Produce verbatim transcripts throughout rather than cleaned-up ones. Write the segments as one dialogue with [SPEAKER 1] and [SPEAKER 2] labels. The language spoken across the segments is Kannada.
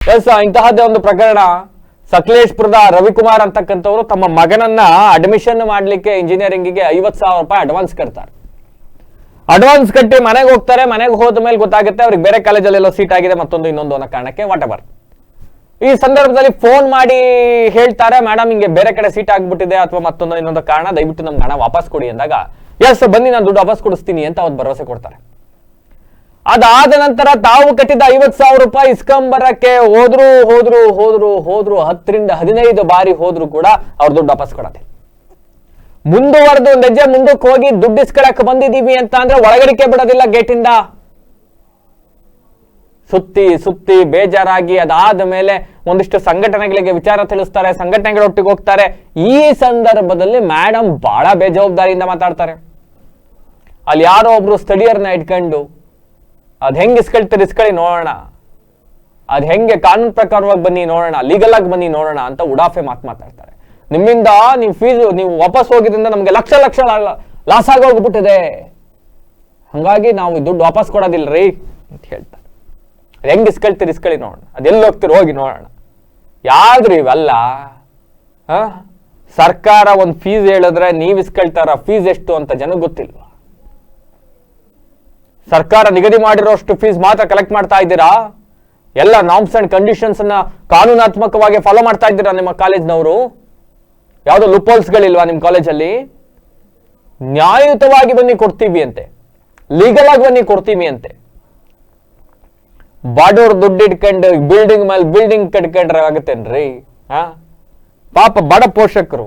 [SPEAKER 1] ಎಸ್ ಇಂತಹದ್ದೇ ಒಂದು ಪ್ರಕರಣ. ಸಕಲೇಶ್ಪುರದ ರವಿಕುಮಾರ್ ಅಂತಕ್ಕಂಥವ್ರು ತಮ್ಮ ಮಗನನ್ನ ಅಡ್ಮಿಷನ್ ಮಾಡ್ಲಿಕ್ಕೆ ಇಂಜಿನಿಯರಿಂಗಿಗೆ ಐವತ್ ಸಾವಿರ ರೂಪಾಯಿ ಅಡ್ವಾನ್ಸ್ ಕಟ್ತಾರೆ. ಅಡ್ವಾನ್ಸ್ ಕಟ್ಟಿ ಮನೆಗೆ ಹೋಗ್ತಾರೆ. ಮನೆಗೆ ಹೋದ ಮೇಲೆ ಗೊತ್ತಾಗುತ್ತೆ ಅವ್ರಿಗೆ ಬೇರೆ ಕಾಲೇಜಲ್ಲೆಲ್ಲೋ ಸೀಟ್ ಆಗಿದೆ, ಮತ್ತೊಂದು ಇನ್ನೊಂದು ಅನ್ನೋ ಕಾರಣಕ್ಕೆ ವಾಟ್ ಎವರ್. ಈ ಸಂದರ್ಭದಲ್ಲಿ ಫೋನ್ ಮಾಡಿ ಹೇಳ್ತಾರೆ, ಮೇಡಮ್ ಹಿಂಗೆ ಬೇರೆ ಕಡೆ ಸೀಟ್ ಆಗ್ಬಿಟ್ಟಿದೆ ಅಥವಾ ಮತ್ತೊಂದು ಇನ್ನೊಂದು ಕಾರಣ, ದಯವಿಟ್ಟು ನಮ್ಗೆ ಹಣ ವಾಪಸ್ ಕೊಡಿ ಅಂದಾಗ ಎಸ್ ಬನ್ನಿ ನಾನು ದುಡ್ಡು ವಾಪಸ್ ಕೊಡಿಸ್ತೀನಿ ಅಂತ ಅವ್ರು ಭರವಸೆ ಕೊಡ್ತಾರೆ. ಅದಾದ ನಂತರ ತಾವು ಕಟ್ಟಿದ ಐವತ್ ಸಾವಿರ ರೂಪಾಯಿ ಇಸ್ಕೊಂಬರಕ್ಕೆ ಹೋದ್ರು ಹೋದ್ರು ಹೋದ್ರು ಹೋದ್ರು ಹತ್ತರಿಂದ ಹದಿನೈದು ಬಾರಿ ಹೋದ್ರು ಕೂಡ ಅವ್ರ ದುಡ್ಡು ವಾಪಸ್ ಕೊಡತ್ತೆ. ಮುಂದುವರೆದು ಒಂದ್ ಹೆಜ್ಜೆ ಮುಂದಕ್ಕೆ ಹೋಗಿ ದುಡ್ಡು ಇಸ್ಕೊಳಕ್ ಬಂದಿದೀವಿ ಅಂತ ಅಂದ್ರೆ ಒಳಗಡಿಕೆ ಬಿಡೋದಿಲ್ಲ ಗೇಟಿಂದ. ಸುತ್ತಿ ಸುತ್ತಿ ಬೇಜಾರಾಗಿ ಅದಾದ ಮೇಲೆ ಒಂದಿಷ್ಟು ಸಂಘಟನೆಗಳಿಗೆ ವಿಚಾರ ತಿಳಿಸ್ತಾರೆ, ಸಂಘಟನೆಗಳೊಟ್ಟಿಗೆ ಹೋಗ್ತಾರೆ. ಈ ಸಂದರ್ಭದಲ್ಲಿ ಮೇಡಮ್ ಬಹಳ ಬೇಜವಾಬ್ದಾರಿಯಿಂದ ಮಾತಾಡ್ತಾರೆ. ಅಲ್ಲಿ ಯಾರೋ ಒಬ್ರು ಸ್ಥಳೀಯರನ್ನ ಇಟ್ಕೊಂಡು ಅದ್ ಹೆಂಗ್ ಇಸ್ಕೊಳ್ತೀರಿ ಇಸ್ಕೊಳ್ಳಿ ನೋಡೋಣ, ಅದ್ ಹೆಂಗೆ ಕಾನೂನು ಪ್ರಕಾರವಾಗಿ ಬನ್ನಿ ನೋಡೋಣ, ಲೀಗಲ್ ಆಗಿ ಬನ್ನಿ ನೋಡೋಣ ಅಂತ ಉಡಾಫೆ ಮಾತು ಮಾತಾಡ್ತಾರೆ. ನಿಮ್ಮಿಂದ ನೀವು ಫೀಸ್ ನೀವು ವಾಪಸ್ ಹೋಗಿದ್ರಿಂದ ನಮ್ಗೆ ಲಕ್ಷ ಲಕ್ಷ ಲಾಸ್ ಆಗೋಗ್ಬಿಟ್ಟಿದೆ, ಹಂಗಾಗಿ ನಾವು ದುಡ್ಡು ವಾಪಸ್ ಕೊಡೋದಿಲ್ರಿ ಅಂತ ಹೇಳ್ತಾರೆ. ಅದ್ ಹೆಂಗ್ ಇಸ್ಕೊಳ್ತೀರಿ ಇಸ್ಕೊಳ್ಳಿ ನೋಡೋಣ, ಅದೆಲ್ಲಿ ಹೋಗ್ತೀರಿ ಹೋಗಿ ನೋಡೋಣ. ಯಾವ್ದ್ರಿ ಇವೆಲ್ಲ? ಹ ಸರ್ಕಾರ ಒಂದ್ ಫೀಸ್ ಹೇಳಿದ್ರೆ ನೀವ್ ಇಸ್ಕೊಳ್ತಾರ ಫೀಸ್ ಎಷ್ಟು ಅಂತ ಜನಕ್ಕೆ ಗೊತ್ತಿಲ್ವಾ? ಸರ್ಕಾರ ನಿಗದಿ ಮಾಡಿರೋಷ್ಟು ಫೀಸ್ ಮಾತ್ರ ಕಲೆಕ್ಟ್ ಮಾಡ್ತಾ ಇದ್ದೀರಾ? ಎಲ್ಲ ನಾರ್ಮ್ಸ್ ಅಂಡ್ ಕಂಡೀಷನ್ಸ್ ಅನ್ನ ಕಾನೂನಾತ್ಮಕವಾಗಿ ಫಾಲೋ ಮಾಡ್ತಾ ಇದ್ದೀರಾ ನಿಮ್ಮ ಕಾಲೇಜ್ನವರು? ಯಾವ್ದೋ ಲೂಪೋಲ್ಸ್ಗಳಿಲ್ವಾ ನಿಮ್ ಕಾಲೇಜಲ್ಲಿ? ನ್ಯಾಯಯುತವಾಗಿ ಬನ್ನಿ ಕೊಡ್ತೀವಿ ಅಂತೆ, ಲೀಗಲ್ ಆಗಿ ಬನ್ನಿ ಕೊಡ್ತೀವಿ ಅಂತೆ. ಬಾಡೋರ್ ದುಡ್ಡು ಇಟ್ಕೊಂಡು ಬಿಲ್ಡಿಂಗ್ ಮೇಲೆ ಬಿಲ್ಡಿಂಗ್ ಕಟ್ಕೊಂಡ್ರೆ ಆಗುತ್ತೇನ್ರಿ? ಹಾ ಪಾಪ ಬಡ ಪೋಷಕರು.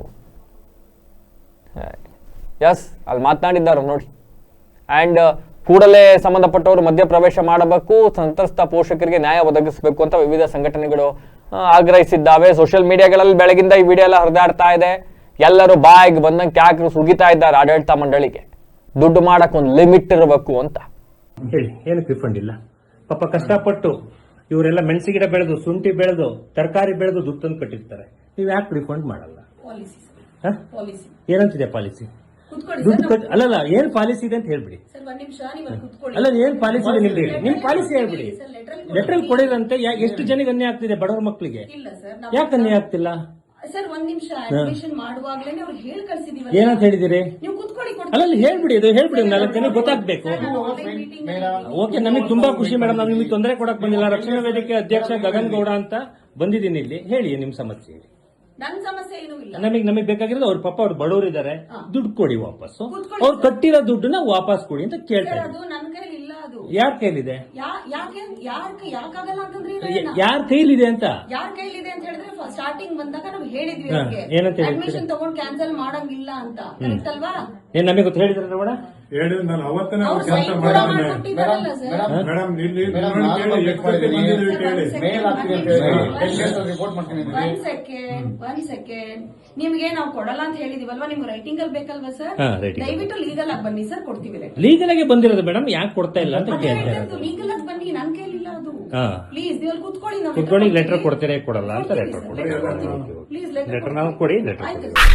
[SPEAKER 1] ಎಸ್ ಅಲ್ಲಿ ಮಾತನಾಡಿದ್ದಾರೆ ನೋಡಿ. ಅಂಡ್ ಕೂಡಲೇ ಸಂಬಂಧಪಟ್ಟವರು ಮಧ್ಯಪ್ರವೇಶ ಮಾಡಬೇಕು, ಸಂತ್ರಸ್ತ ಪೋಷಕರಿಗೆ ನ್ಯಾಯ ಒದಗಿಸಬೇಕು ಅಂತ ವಿವಿಧ ಸಂಘಟನೆಗಳು ಆಗ್ರಹಿಸಿದ್ದಾವೆ. ಸೋಷಿಯಲ್ ಮೀಡಿಯಾಗಳಲ್ಲಿ ಬೆಳಗಿಂದ ಈ ವಿಡಿಯೋ ಎಲ್ಲ ಹರಿದಾಡ್ತಾ ಇದೆ. ಎಲ್ಲರೂ ಬಾಯಿಗೆ ಬಂದಂಗೆ ಕ್ಯಾಕ್ರು ಸುಗಿತಾ ಇದ್ದಾರೆ ಆಡಳಿತ ಮಂಡಳಿಗೆ. ದುಡ್ಡು ಮಾಡಕ್ ಒಂದು ಲಿಮಿಟ್ ಇರಬೇಕು ಅಂತ
[SPEAKER 2] ಹೇಳಿ. ಏನಕ್ಕೆ ರಿಫಂಡ್ ಇಲ್ಲ? ಪಾಪ ಕಷ್ಟಪಟ್ಟು ಇವರೆಲ್ಲ ಮೆಣಸಿ ಗಿಡ ಬೆಳೆದು, ಶುಂಠಿ ಬೆಳೆದು, ತರಕಾರಿ ಬೆಳೆದು ದುಡ್ಡು ತಂದು ಕಟ್ಟಿರ್ತಾರೆ. ನೀವು ಯಾಕೆ ರಿಫಂಡ್ ಮಾಡಲ್ಲ? ಏನಂತಿದೆ ಪಾಲಿಸಿ? ದುಡ್ಡು ಕಟ್ ಅಲ್ಲಲ್ಲ, ಏನ್ ಪಾಲಿಸಿ ಇದೆ ಅಂತ ಹೇಳ್ಬಿಡಿ. ಅಲ್ಲ ಏನ್ ಪಾಲಿಸಿ ಇದೆ ನಿಮ್ದು ಹೇಳಿ, ನಿಮ್ ಪಾಲಿಸಿ ಹೇಳ್ಬಿಡಿ. ಲೆಟರ್ ಕೊಡಿರಂತೆ ಎಷ್ಟು ಜನಕ್ಕೆ ಅನ್ಯಾಯ ಆಗ್ತಿದೆ? ಬಡವರ ಮಕ್ಕಳಿಗೆ ಯಾಕೆ ಅನ್ಯಾಯ ಆಗ್ತಿಲ್ಲ? ಏನಂತ ಹೇಳಿದಿರಿ? ಅಲ್ಲ ಹೇಳ್ಬಿಡಿ, ಅದು ಹೇಳ್ಬಿಡಿ, ನಾಲ್ಕು ಜನ ಗೊತ್ತಾಗ್ಬೇಕು. ಓಕೆ, ನಮಗೆ ತುಂಬಾ ಖುಷಿ ಮೇಡಮ್. ನಾವು ನಿಮಗೆ ತೊಂದರೆ ಕೊಡಕ್ ಬಂದಿಲ್ಲ. ರಕ್ಷಣಾ ವೇದಿಕೆ ಅಧ್ಯಕ್ಷ ಗಗನ್ ಗೌಡ ಅಂತ ಬಂದಿದ್ದೀನಿ ಇಲ್ಲಿ. ಹೇಳಿ ನಿಮ್ ಸಮಸ್ಯೆ. ನಮಗೆ ನಮಗೆ ಬೇಕಾಗಿರೋದು ಅವ್ರ ಪಾಪ ಅವ್ರು ಬಡವರು ಇದಾರೆ, ದುಡ್ಡು ಕೊಡಿ ವಾಪಸ್ಸು. ಅವ್ರು ಕಟ್ಟಿರೋ ದುಡ್ಡನ್ನ ವಾಪಸ್ ಕೊಡಿ ಅಂತ ಕೇಳ್ತಾರೆ. ಯಾರ ಕೈಲಿದೆ? ಯಾರ ಕೈಲಿದೆ ಅಂತ
[SPEAKER 3] ಸ್ಟಾರ್ಟಿಂಗ್ ಬಂದಾಗ ನಾವು ಹೇಳಿದ್ವಿ
[SPEAKER 2] ಏನಂತ
[SPEAKER 3] ಅಡ್ಮಿಷನ್ ತಗೊಂಡು ಕ್ಯಾನ್ಸಲ್ ಮಾಡಂಗಿಲ್ಲ ಅಂತ. ಕರೆಕ್ಟ್ ಅಲ್ವಾ?
[SPEAKER 2] ಏನ್ ನಮಗೆ ಗೊತ್ತು ಹೇಳಿದ್ರೆ ನೋಡ
[SPEAKER 4] ಹೇಳಿದ್ರು. ನಾನು ಅವತ್ತನೇ ಅವ್ರು ಕ್ಯಾನ್ಸಲ್ ಮಾಡಿದ್ದೀನಿ ಮೇಡಮ್. ಇಲ್ಲಿ
[SPEAKER 3] ಒಂದ್ ಸೆಕೆಂಡ್ ಒಂದ್ ಸೆಕೆಂಡ್ ನಿಮ್ಗೆ ನಾವು ಕೊಡಲ್ಲ ಅಂತ ಹೇಳಿದಿವಲ್ವಾ? ನಿಮ್ಗೆ ರೈಟಿಂಗ್ ಅಲ್ಲಿ ಬೇಕಲ್ವಾ ಸರ್? ದಯವಿಟ್ಟು ಲೀಗಲ್ ಆಗಿ ಬನ್ನಿ ಸರ್, ಕೊಡ್ತೀವಿ.
[SPEAKER 2] ಲೀಗಲ್ ಆಗಿ ಬಂದಿರೋದು ಮೇಡಮ್, ಯಾಕೆ ಕೊಡ್ತಾ ಇಲ್ಲ ಅಂತ ಕೇಳ್ತಾರೆ.
[SPEAKER 3] ಲೀಗಲ್ ಆಗಿ ಬನ್ನಿ, ನನ್ ಕೈಲಿಲ್ಲ ಅದು. ಪ್ಲೀಸ್ ನೀವು ಕುತ್ಕೊಳ್ಳಿ,
[SPEAKER 2] ಕುತ್ಕೊಳ್ಳಿ. ಲೆಟರ್ ಕೊಡ್ತೀರಾ ಕೊಡಲ್ಲ ಅಂತ ಲೆಟರ್ ಕೊಡಿ.
[SPEAKER 3] ಪ್ಲೀಸ್
[SPEAKER 2] ಲೆಟರ್ ನಾವು ಕೊಡಿ. ಲೆಟರ್